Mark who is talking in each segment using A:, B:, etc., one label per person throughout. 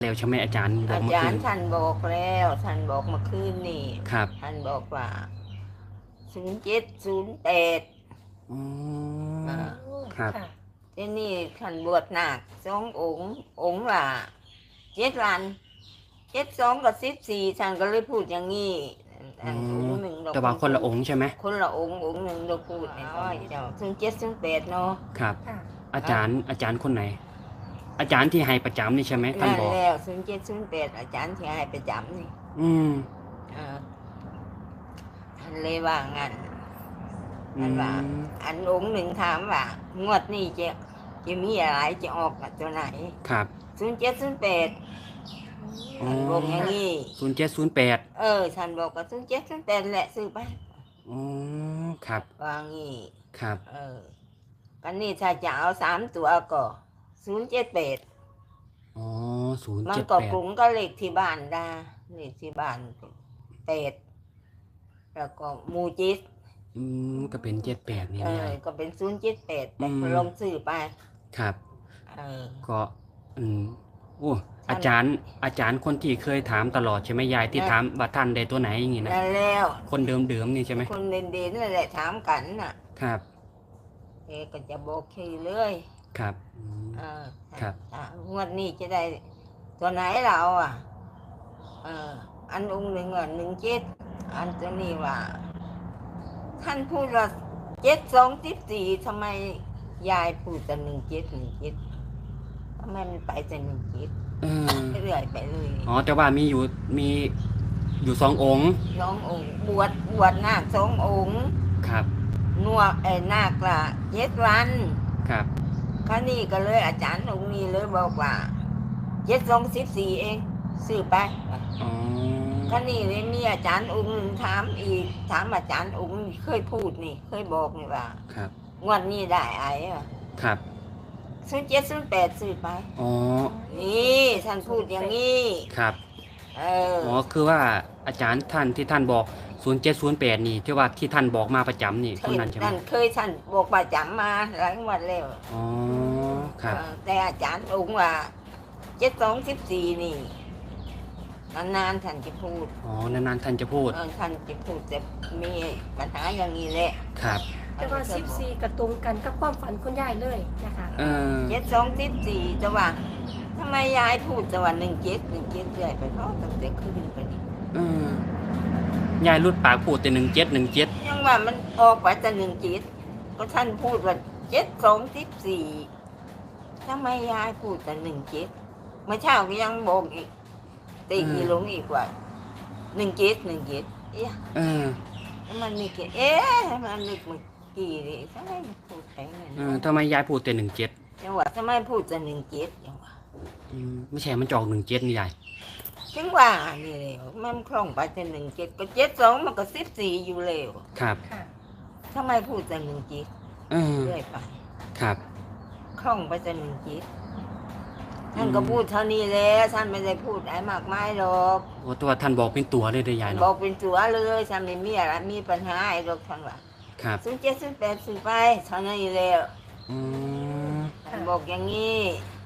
A: แล้วใช่ไหมอาจารย์บอ
B: อา
A: กเมื่อคืน
B: จารย์ท่านบอกแล้วท่านบอกเมื่อคืนนี่
A: ครับ
B: ท่านบอกว่า0708
A: อ๋อ
B: อ่า
C: โอ้
A: ครับ
C: ค่ะ
B: ที่นี่ท่านบวชหนัก2 องค์ละ7 วัน72 กับ 14ท่านก็เลยพูดอย่างนี้
A: อ๋อ
B: องค์ 1เรา
A: แต่ว่าคนละองค์ใช่ไหม
B: คนละองค์ 1เราพูดในตอนเจ้า0708เนาะ
A: ครับ
C: ค่ะ
A: อาจารย์คนไหน อาจารย์ที่ให้ประจำนี่ใช่ไหมท่าน
B: นั่น
A: บอก
B: แล้ว0708อาจารย์ที่ให้ประจำนี่
A: อืม
B: อ่าท่านเลยว่างั้นท่านว่าอันองค์ 1ถามว่างวดนี้จะมีอะไรจะออกตัวไหน
A: ครับ
B: 0708
A: อ๋อ
B: ท่านบอกอย่างนี้
A: 0708
B: ท่านบอกกับ0708แหละซื้อไป
A: อ๋อครับ
B: ว่างี้
A: ครับ
B: กันนี่ถ้าจะเอา3 ตัวก็078
A: อ๋อศูนย์
B: มัน
A: เจ็ด
B: ก็
A: แปด
B: กลุ่มก็เลขที่บ้านได้เลขที่บ้าน8แล้วก็หมูจิต
A: ก็เป็น78นี่ไม่ใช่
B: ก็เป็น078แต่ลองซื้อไป
A: ครับ
B: เออ
A: ก็อืมโอ้
B: ท่าน
A: อาจารย์คนที่เคยถามตลอดใช่ไหมยายที่ถามว่าท่านได้ตัวไหนอย่างงี้นะ
B: นั่นแล้ว
A: คนเดิมๆนี่ใช่ไหม
B: คนเด่นๆนั่นแหละถามกันน่ะ
A: ครับ
B: ก็จะบอกทีเลย
A: ครับ
B: เออ
A: ครับ
B: งวดนี้จะได้ตัวไหนเราอันองค์ 1ว่า17อันตัวนี้ว่าท่านพูดว่า72 14ทำไมยายพูดแต่17ทำไมมันไปแต่17เรื่อยไปเลย
A: อ๋อแต่ว่ามีอยู่2 องค์
B: 2 องค์บวชนาค2 องค์
A: ครับ
B: นวดนาคละ7 วัน
A: ครับ
B: ครั้นี้ก็เลยอาจารย์องค์นี้เลยบอกว่า72 14เองซื้อไป
A: อ๋อ
B: ครั้นี้เลยมีอาจารย์องค์หนึ่งถามอีกถามอาจารย์องค์เคยพูดนี่เคยบอกนี่ว่า
A: ครับ
B: งวดนี้ได้
A: ครับ
B: 0708ซื้อไป
A: อ๋อ
B: นี่ท่านพูดอย่างนี้
A: ครับอ๋อคือว่าอาจารย์ท่านที่ท่านบอก0708นี่ที่ว่าที่ท่านบอกมาประจำนี่คนนั้นใช่ไหม
B: ท่านเคยท่านบอกประจำมาหลายงวดแล้ว
A: อ๋อครับ
B: แต่อาจารย์องค์ว่า72 14นี่นานๆท่านจะพูด
A: อ๋อนานๆท่านจะพูด
B: ท่านจะพูดจะมีปัญหาอย่างนี้แหละ
A: ครับ
C: แต่ว่า14กระตรงกันกับความฝันคุณยายเลยนะคะ
B: 72 14จะว่าทำไมยายพูดแต่ว่า17เรื่อยไปเนาะตั้งแต่คืนไปนี่
A: ยายรุดปากพูดแต่17
B: ยังว่ามันออกไปแต่17ก็ท่านพูดว่า72 14ทำไมยายพูดแต่17เมื่อเช้าก็ยังบอกอีกตีอีหลงอีกว่า17เอ๊ะมันนี่มันนึกเมื่อกี้นี่ทำไมพูดไปงั้น
A: ทำไมยายพูดแต่
B: จังหวะทำไมพูดแต่17จังหวะ
A: ไม่ใช่มันจะออก17นี่ยาย
B: จังหวะนี่เลยมันคล่องไปแต่17ก็72มันก็14อยู่แล้ว
A: ครับ
C: ค่ะ
B: ทำไมพูดแต่17เรื่อยไป
A: ครับ
B: คล่องไปแต่ท่านก็พูดเท่านี้แล้วท่านไม่ได้พูดอะไรมากมายหรอก
A: โอ้ตัวท่านบอกเป็นตัวเลยยายเนาะ
B: บอกเป็นตัวเลยท่านไม่มีอะไรมีปัญหาไอ้หรอกท่านว่า
A: ครับ
B: 07 08ซื้อไปเท่านั้นแล้วท่านบอกอย่างนี้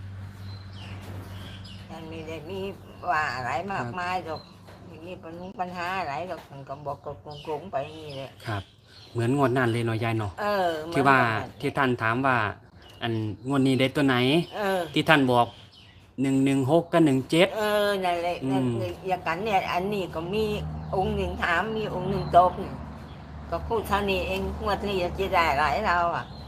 B: ท่านไม่ได้มีว่าอะไรมากมายหรอกไม่มีปัญหาอะไรหรอกท่านก็บอกกับกงๆไปอย่างนี้แหละ
A: ครับเหมือนงวดนั่นเลยเนาะยายเนาะที่ว่าที่ท่านถามว่าอันงวดนี้ได้ตัวไหนที่ท่านบอก116กับ17
B: นั่นแหละอย่างกันเนี่ยอันนี้ก็มีองค์ 1ถามมีองค์ 1ตอบก็พูดเท่านี้เองงวดนี้จะได้หลายเรา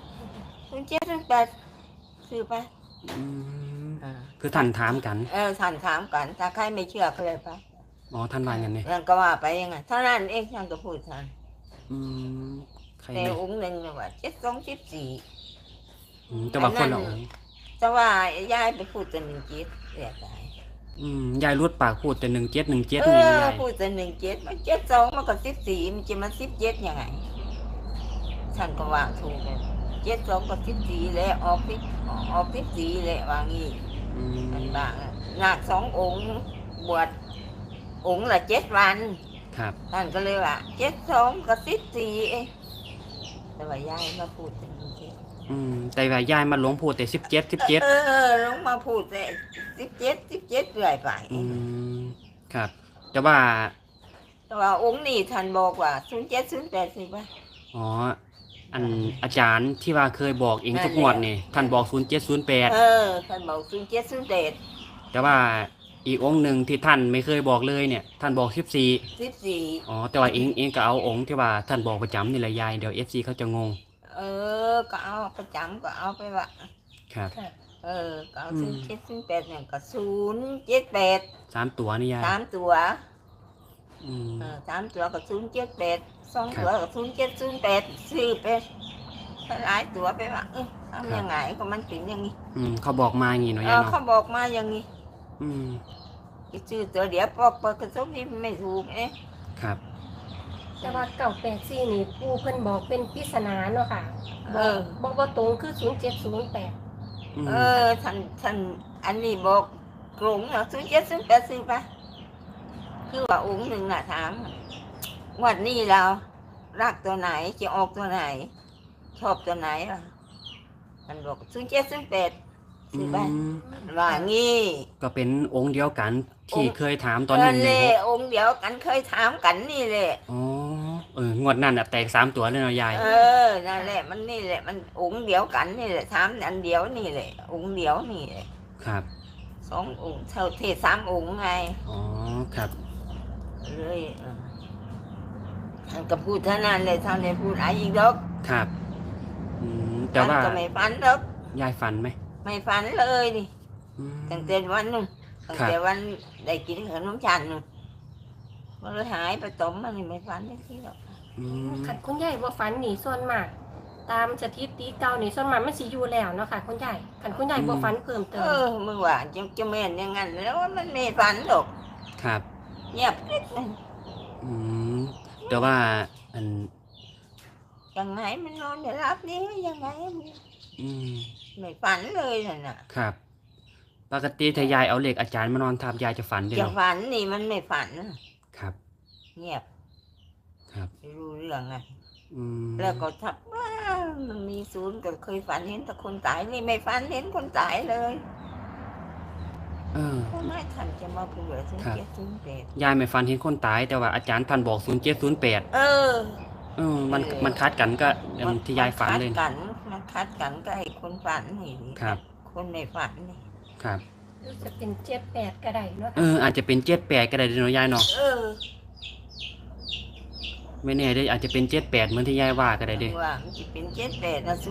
B: 07 08ซื้อไป
A: คือท่านถามกัน
B: ท่านถามกันถ้าใครไม่เชื่อก็เลยไป
A: อ๋อท่านว่าอย่างนี้
B: ท่านก็ว่าไปยังไงเท่านั้นเองท่านก็พูดท่านแต่องค์ 1เนี่ยว่า72 14
A: แต่ว่าคนละองค์
B: แต่ว่ายายไปพูดแต่17เรียกได้
A: ยายรุดปากพูดแต่17นี่ยาย
B: พูดแต่17มัน72มันก็14มันจะมา17ยังไงท่านก็ว่าถูกเลย72กับ14แล้วออก14แล้วว่างี้มันบ้างนาค2 องค์บวชองค์ละ7 วัน
A: ครับ
B: ท่านก็เลยว่า72กับ14เองแต่ว่ายายมาพูดถึง17
A: แต่ว่ายายมาหลวงพูดแต่17
B: ลงมาพูดแต่17เรื่อยไป
A: ครับแต่ว่า
B: องค์นี่ท่านบอกว่า0708สิป่ะ
A: อ๋ออันอาจารย์ที่ว่าเคยบอกเองทุกงวดนี่ท่านบอก0708
B: ท่านบอก0708
A: แต่ว่าอีกองค์หนึ่งที่ท่านไม่เคยบอกเลยเนี่ยท่านบอก14อ๋อแต่ว่าเองก็เอาองค์ที่ว่าท่านบอกประจำนี่แหละยายเดี๋ยว FC เขาจะงง
B: ก็เอาประจำก็เอาไปว่า
A: ครับ
B: ก็เอา0708เนี่ยก็078
A: 3ตัวนี่ยาย
B: 3ตัว3ตัวก็078 2ตัวก็0708ซื้อไปหลายตัวไปว่าทำยังไงก็มันเป็นอย่างนี้
A: เขาบอกมาอย่างนี้เนาะยายเนาะ
B: เขาบอกมาอย่างนี้ชื่อตัวเดี๋ยวพอเปิดกระทบนี่ไม่ถูก
A: ครับ
C: แต่ว่า984นี่ปู่เพิ่นบอกเป็นปริศนาเนาะค่ะบอกว่าตรงคือ0708
B: ท่านอันนี้บอกกลุ่มเนาะ0708ซื้อไปคือว่าองค์หนึ่งน่ะถามวันนี้เรารักตัวไหนจะออกตัวไหนชอบตัวไหนล่ะท่านบอก0708ซื้อไปว่างี้
A: ก็เป็นองค์เดียวกันที่เคยถามตอน
B: นั้นเลยองค์เดียวกันเคยถามกันนี่แหละ
A: งวดนั่นแตก3ตัวเลยเนาะยาย
B: นั่นแหละมันนี่แหละมันองค์เดียวกันนี่แหละถามอันเดียวนี่แหละองค์เดียวนี่แหละ
A: ครับ
B: 2องค์เท่าเทศ3องค์ไง
A: ครับ
B: เลยท่านก็พูดเท่านั้นเลยท่านไม่พูดอะไรอีกดอก
A: ครับแต่ว่า
B: ก็ไม่ฝันดอก
A: ยายฝันไหม
B: ไม่ฝันเลยดิตั้งแต่วันนึงตั้งแต่วันได้กินขนมฉันมันเลยหายไปต้มมันไม่ฝันได้ทีหรอก
C: ขัดคุณยายว่าฝันหนีส่วนมากตามสถิติเก่านี่ส่วนมากมันสิอยู่แล้วเนาะค่ะคุณยายขัดคุณยายว่าฝันเพิ่มเติม
B: มึงว่าจะแม่นอย่างนั้นแล้วมันไม่ฝันหรอก
A: ครับ
B: เงียบกริบเลย
A: แต่ว่า
B: ยังไงมันนอนจะรับนี่ยังไงไม่ฝันเลยน่ะ
A: ครับปกติถ้ายายเอาเหล็กอาจารย์มานอนทับยายจะฝันด้วย
B: จะฝันนี่มันไม่ฝัน
A: ครับ
B: เงียบ
A: ครับ
B: ไม่รู้เรื่องไงแล้วก็ทับว่ามันมีศูนย์ก็เคยฝันเห็นแต่คนตายนี่ไม่ฝันเห็นคนตายเลยไม่ทันจะมาพูดเลย
A: 0708ยายไม่ฝันเห็นคนตายแต่ว่าอาจารย์ท่านบอก0708มันคัดกันก็ที่ยายฝันเลย
B: มันคัดกันก็ให้คนฝันนี่
A: ครับ
B: คนในฝันนี่
A: ครับ
C: จะเป็น78ก็ได้เนาะ
A: อาจจะเป็น78ก็ได้เนาะยายเนาะไม่แน่ได้อาจจะเป็น78เหมือนที่ยายว่าก็ได้เด้
B: ว่ามันจะเป็น78นะ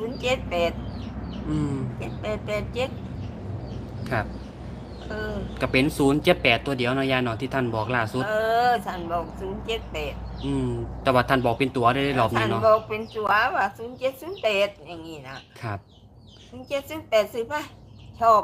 B: 07887
A: ครับก็เป็น078ตัวเดียวเนาะยายเนาะที่ท่านบอกล่าสุด
B: ท่านบอก078
A: แต่ว่าท่านบอกเป็นตัวได้รอบนี้เนาะ
B: ท่านบอกเป็นตัวว่า0708อย่างงี้นะครับ0708ซื้อป่ะชอบ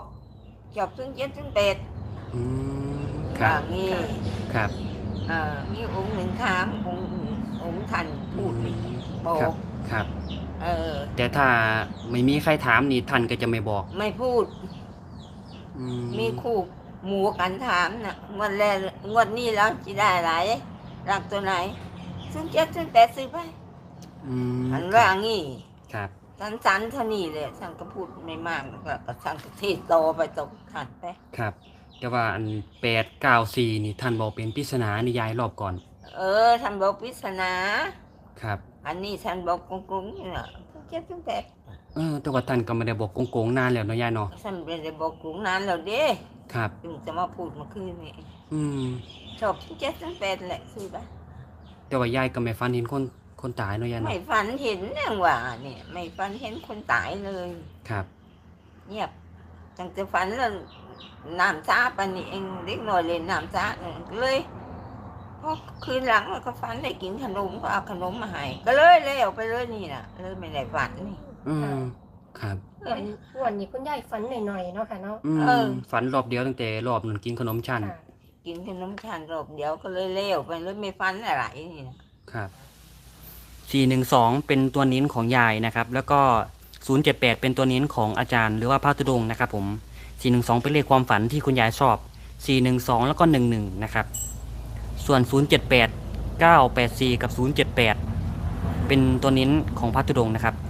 B: 0708
A: ครับ
B: งี้
A: ครับ
B: มีองค์หนึ่งถามองค์ท่านพูดบอก
A: ครับแต่ถ้าไม่มีใครถามนี่ท่านก็จะไม่บอก
B: ไม่พูดมีคู่หมู่กันถามน่ะงวดนี้แล้วจะได้อะไรรักตัวไหน0708ซื้อไปอันว่างี้
A: ครับ
B: สั้นๆเท่านี้เลยท่านก็พูดไม่มากแล้วก็ท่านก็เทศโตไปตกขัดไป
A: ครับแต่ว่าอัน894นี่ท่านบอกเป็นปริศนานี่ยายรอบก่อน
B: ท่านบอกปริศนา
A: ครับ
B: อันนี้ท่านบอกกงๆนี่น่ะ0708
A: แต่ว่าท่านก็ไม่ได้บอกโกงๆนานแล้วเนาะยายเนาะ
B: ท่านไม่ได้บอกกงนานแล้วเด้
A: ครับ
B: ถึงจะมาพูดเมื่อคืนนี่ชอบ0708แหละซื้อไป
A: แต่ว่ายายก็ไม่ฝันเห็นคนตายเนาะยายเนาะ
B: ไม่ฝันเห็นอย่างว่าเนี่ยไม่ฝันเห็นคนตายเลย
A: ครับ
B: เงียบตั้งแต่ฝันแล้วน้ำซ่าปนี่เองเล็กน้อยเลยน้ำซ่าเลยพอคืนหลังก็ฝันได้กินขนมก็เอาขนมมาให้ก็เลยเอาไปเลยนี่น่ะเลยไม่ได้ฝันนี่
A: ครับ
C: วันนี้คุณยายฝันหน่อยๆเนาะค่ะเนาะ
A: ฝันรอบเดียวตั้งแต่รอบนึงกินขนมชั้น
B: กินขนมชั้นรอบเดียวก็เลยเลี้ยวไปเลยไม่ฝันอะไรนี่
A: นะครับ412เป็นตัวนิ้นของยายนะครับแล้วก็078เป็นตัวนิ้นของอาจารย์หรือว่าพระธุดงค์นะครับผม412เป็นเลขความฝันที่คุณยายชอบ412แล้วก็11นะครับส่วน078 984กับ078เป็นตัวนิ้นของพระธุดงค์นะครับ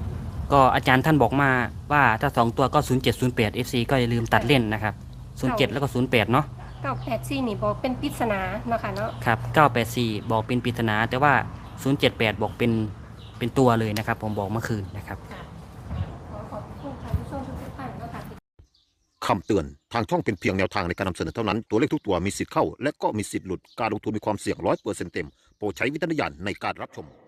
A: ก็อาจารย์ท่านบอกมาว่าถ้า2ตัวก็0708 FC ก็อย่าลืมตัดเล่นนะครับ07แล้วก็08เนาะ
C: 984นี่บอกเป็นปริศนาเนาะค่ะเนาะ
A: ครับ984บอกเป็นปริศนาแต่ว่า078บอกเป็นตัวเลยนะครับผมบอกเมื่อคืนนะครับ
C: ค่ะขอบคุณค่ะผู้ชมทุกท่านเนาะค่ะ
D: คำเตือน ทางช่องเป็นเพียงแนวทางในการนำเสนอเท่านั้น ตัวเลขทุกตัวมีสิทธิ์เข้า และก็มีสิทธิ์หลุด การลงทุนมีความเสี่ยง100%เต็ม โปรดใช้วิจารณญาณในการรับชม